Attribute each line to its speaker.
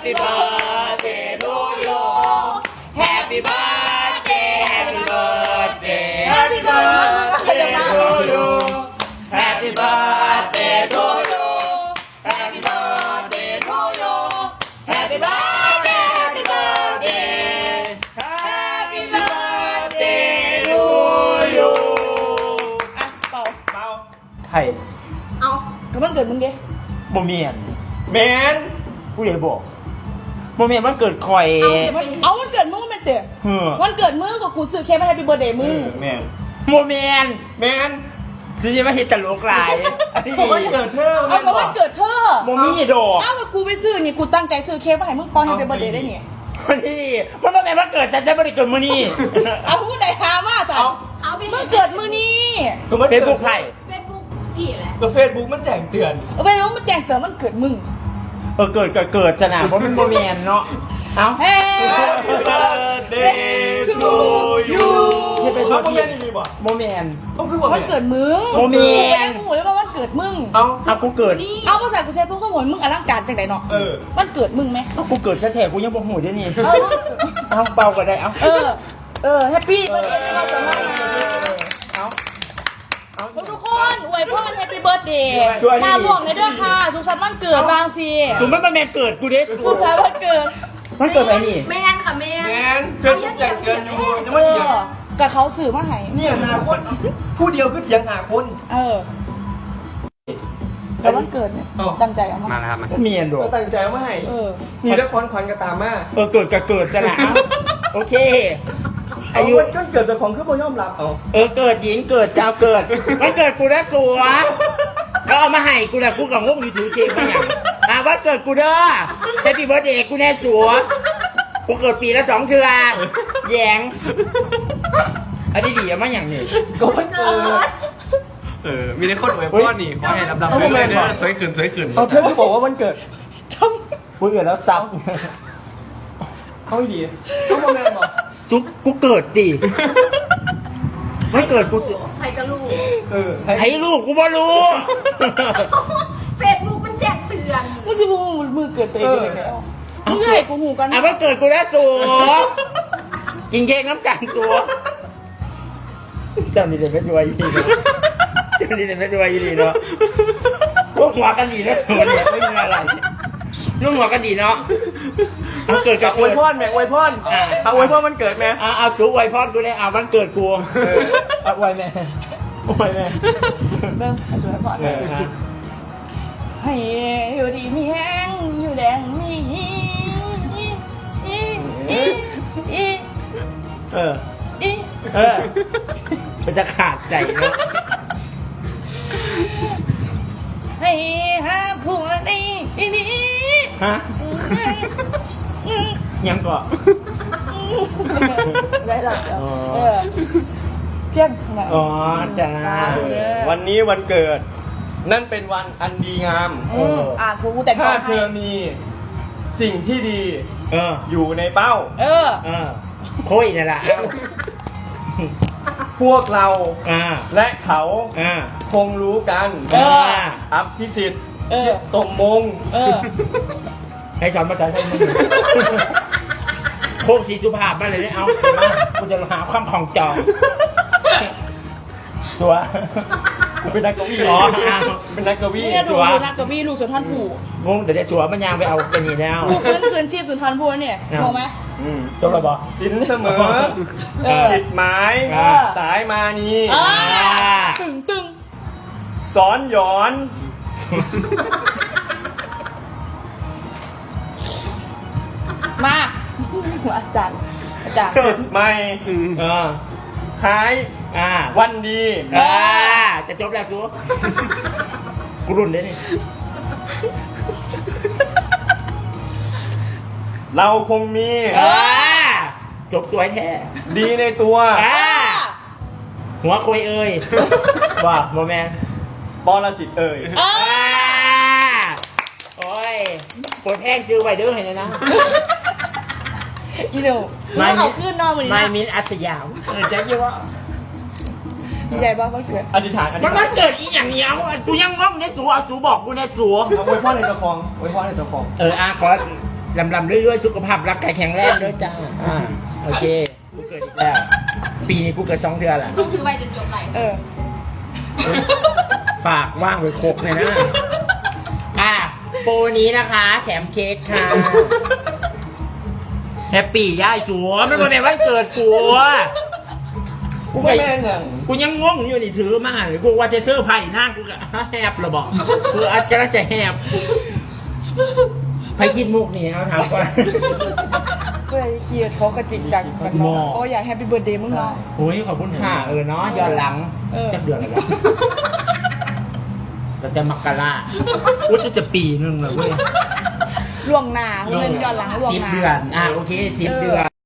Speaker 1: Happy birthday to you Happy birthday Happy birthday
Speaker 2: Happy birthday
Speaker 1: to you Happy birthday to you Happy birthday to you Happy birthday Happy birthday Happy birthday to you
Speaker 2: อ่ะเป่า
Speaker 3: เปล่า
Speaker 1: ไผ่
Speaker 2: เอาก็มันเกิดมึงดิ
Speaker 1: บ่เมียน
Speaker 3: แมน
Speaker 1: ผู้ใหญ่บอกบ่เมียนมันเกิดคอย
Speaker 2: เอามันเกิดมึงเป็นเต๋อ
Speaker 1: เฮ้อ
Speaker 2: วันเกิดมึงกับกูซื้อเค้กมาให้พี่เบอร์เดย์มึง
Speaker 3: แมน
Speaker 1: บ่เมียน
Speaker 3: แมน
Speaker 1: สิจะมาเฮ็ดตลกหลายอันนี้
Speaker 3: ผมว่าเกิดเธอ
Speaker 2: เอาก็วันเกิดเธอ
Speaker 1: บ่มีดอก
Speaker 2: เอากับกูไปซื้อนี่กูตั้งใจซื้อเค้กมาให้มึงปอนให้พี่เบอร์เดย์ได้เนี่ย
Speaker 1: วันนี้มันบ่แม่นว่าเกิดฉันบ่ได้เกิดมื้อนี้
Speaker 2: เอาพูดได้หามาสัตว์
Speaker 4: เอาไป
Speaker 2: มึงเกิดมือนี้
Speaker 3: ก็มัน
Speaker 1: เฟซบุ๊กไผ่
Speaker 4: เฟซบุ๊กพี่แหละ
Speaker 3: ก็เฟซบุ๊กมันแจ้งเตือน
Speaker 2: เอาไปแล้วมันแจ้งเตือนมันเกิดมึง
Speaker 1: เกิดจะน่ะเพราะมันบ่แม่นเนาะเอ้า
Speaker 2: เฮ้
Speaker 3: Happy birthday to you
Speaker 1: เฮ็ดไป
Speaker 3: เขา
Speaker 1: ทั่ว
Speaker 3: บ่
Speaker 1: ที่
Speaker 3: แม่นนี่บ่
Speaker 1: บ่แม่น
Speaker 3: ต้องคือว่า
Speaker 2: วันเกิดมึง
Speaker 1: โมเมน
Speaker 2: กูเลยว่าวันเกิดมึง
Speaker 3: เอา
Speaker 1: เอากูเกิด
Speaker 2: เอาภาษากูใช้ทุกสมุนมึงอลังการจังไดเนาะ
Speaker 3: เออ
Speaker 2: วันเกิดมึงไหม
Speaker 1: เอากูเกิดซะแท้กูยังบ่ฮู้เด้นี่
Speaker 2: เออวันเกิด
Speaker 1: เอาเป่าก็ได้เอา
Speaker 2: แฮปปี้เบิร์ดเดย์เราจะมานะ
Speaker 1: เอา
Speaker 2: ทุกคนอวยพรแฮปปี้เบิร์ดเดย์
Speaker 1: ช่วยดิ
Speaker 2: มาบวกในเด้อค่ะสุขสันต์วันเกิดบางซี
Speaker 1: สุมันบ่แม่นเกิดกูเด้
Speaker 2: สุขสันต์วันเกิด
Speaker 1: มันเกิดไปนี่
Speaker 4: แมนค่ะแมน
Speaker 3: แมนเฟซบุ๊กแจ้งเตือนอยู่ยัง
Speaker 2: เอ
Speaker 3: ไม่เถียง
Speaker 2: อกับเขาสื่อมาให้
Speaker 3: เนี่ยหาคนผู้เดียวก็เถียงหาคน
Speaker 2: แต่วันเกิดเนี่ย
Speaker 3: อ้าว
Speaker 2: ตั้งใจเอามา
Speaker 5: มาแล้วครับมา
Speaker 1: บ่แม่นดอ
Speaker 3: ก็
Speaker 1: ก
Speaker 3: ตั้งใจว่าให้
Speaker 2: เออ
Speaker 3: นี่แล้วควันขวัญก็ตามมา
Speaker 1: เกิดก็เกิดจะน่ะเอาโอเค
Speaker 3: อา
Speaker 1: อา
Speaker 3: ยุ
Speaker 1: ยุ
Speaker 3: ก็เกิดจากของขึ้นบ่ยอมรับเอา
Speaker 1: เกิดหญิงเกิดเจ้าเกิดมันเกิดกูได้สัวเขาเอามาให้กูน่ะกูก็งงอยู่ถือเกมมาหยังวันเกิดกูเด้อแฮปปี้เบิร์ธเดย์กูแน่สัวกูเกิดปีละ2เทื่อแยงอันนี้ดีอะมาอย่างนี้
Speaker 3: ก็มันเกิด
Speaker 5: มีแต่คนอวยพรนี่ขอให้ลำดับไปเรื่อยๆสวยขึ้นสวยขึ้น
Speaker 3: เอาเธอคือบอกว่ามันเกิด
Speaker 1: กูเกิดแล้วซับ
Speaker 3: เอาให้ดีต้องมาแมนบอก
Speaker 1: ซุกกูเกิดดิไม่เกิดกูสิ
Speaker 4: ใครก็รู้
Speaker 1: ให้ลูกกูบ่รู้
Speaker 4: เฟซบุ๊กมันแจ้งเตือน
Speaker 2: มึงจะพูดมือเกิดตัวเองได้แล้วมึงจะให้กูหูกัน
Speaker 1: อ่ะมันเกิดกูแล้วสัวกินเค้กน้ำกันสัวเจ้านี่เด็กไม่ด้วยยี่ดีเนาะเจ้านี่เด็กไม่ด้วยยี่ดีเนาะพวกหัวกันดีนะสัวเนี่ยไม่มีอะไรนุ่งหัวกันดีเนาะเอาเกิดกับ
Speaker 3: อวยพรแม่อวยพรเอาอวยพรมันเกิดแม่
Speaker 1: เอาจุ๊ไวพอดกูได้เอาวันเกิดกูเอาไวแม่ไวแม่
Speaker 2: เริ่มให้ช่วยก่อนให้อยู่ดีมีแห้งอยู่แดงมี
Speaker 1: เออมันจะขาดใจนะ
Speaker 2: ให้หาผัวในนี้
Speaker 1: ฮะยังก่อน
Speaker 2: ได้หรอเที่ยงทำไม
Speaker 1: อ๋อจ้า
Speaker 3: วันนี้วันเกิด นั่นเป็นวันอันดีงาม
Speaker 2: กูแต่ง
Speaker 3: ถ้าเธอมีสิ่งที่ดี
Speaker 1: เออ
Speaker 3: อยู่ในเป้า
Speaker 1: คุยนี่แหละ
Speaker 3: พวกเรา และเขา
Speaker 1: อ่า
Speaker 3: คงรู้กัน อัพพิสิทธิ์ชิดตมมง
Speaker 1: ให้สอนภาษาไทยมึงโคกสีสุภาพมาเลยเนี่ยเอากูจะหาความของจองสัว
Speaker 3: เป็นนักกวี
Speaker 1: อ๋อ
Speaker 3: เป็นนักกวี
Speaker 2: เนี่ยดูนักกวีลูกสุนทรภู
Speaker 1: งงเดี๋ยวสัวมันยางไปเอาเป็นนี่แล้ว
Speaker 2: ลูกฟื้นคืนชีพสุนทรภูเนี่ยงงไหม
Speaker 1: จบแล้วบอ
Speaker 3: สินเสมอ สิทธิ์หมาย สายมานี
Speaker 2: ตึง
Speaker 3: สอนหยอน
Speaker 2: มาอาจารย์
Speaker 3: เกิดใหม่ คล้าย วันดี
Speaker 1: จะจบแล้วสัวกูรุ่นเลยนี่
Speaker 3: เราคงมี
Speaker 1: จบสวยแท้
Speaker 3: ดีในตัว
Speaker 1: หัวคุยเอ่ยว่าโมแมน
Speaker 3: ปรสิตเอ่ย
Speaker 1: โอ้ยปวดแห้งจือไวเด้อเห็นเลยนะ
Speaker 2: อีเดียวมาเอาขึ้นนอนวันนี้
Speaker 1: ไม่
Speaker 2: นะ
Speaker 1: มินอัสยามจะยี่ว่า
Speaker 2: ดีใจบ้างวันเกิด
Speaker 3: อธิษฐานอธิษ
Speaker 1: มัน
Speaker 3: ฐาน
Speaker 1: เกิดอีอย่างเนี้ยกูยังงงในสูเอาสูบอกกูในสู
Speaker 3: เอาไว้พ่อในเจ้าของไว้พ่อในเจ้าของ
Speaker 1: ขอลำเรื่อยๆสุขภาพร่างกายแข็งแรงด้วยจ้าโอเคกูเกิดอีกแล้วปีนี้กูเกิด2 เดือนละ
Speaker 4: ลูกถือไว้จนจบไหล
Speaker 1: ฝากว่างไว้ครบเลยนะโปรนี้นะคะแถมเค้กค่ะแฮปปี้ย่ายสัวไม่เป็นไรวันเกิดกูกู
Speaker 3: ไม่
Speaker 1: ไป
Speaker 3: แม่งอ่ะ
Speaker 1: กูยังงงอยู่นี่ถือมาเลยกูว่าจะเสื้อร์ไผ่นั่งกูก็แฮบระบอกกูอาจจะแฮบไปกินมุกนี่เอาถามก่อน
Speaker 2: ก็เลยเครียดเขาก็จริงจังกัน
Speaker 1: หมอ
Speaker 2: เนาะโอ้อยากแฮปปี้เบิร์ดเดย์มึงเนาะ
Speaker 1: โอ้ยขอบคุณค่ะเนาะย้อนหลังจักเดือนอะไรวะจะมกราอุ้ยจะปีนึงเลยเว้ย
Speaker 2: ล่วงหน้าคุณเป็นย้อนหลังล่วงหน้า
Speaker 1: 10 เดือนโอเค10 เดือน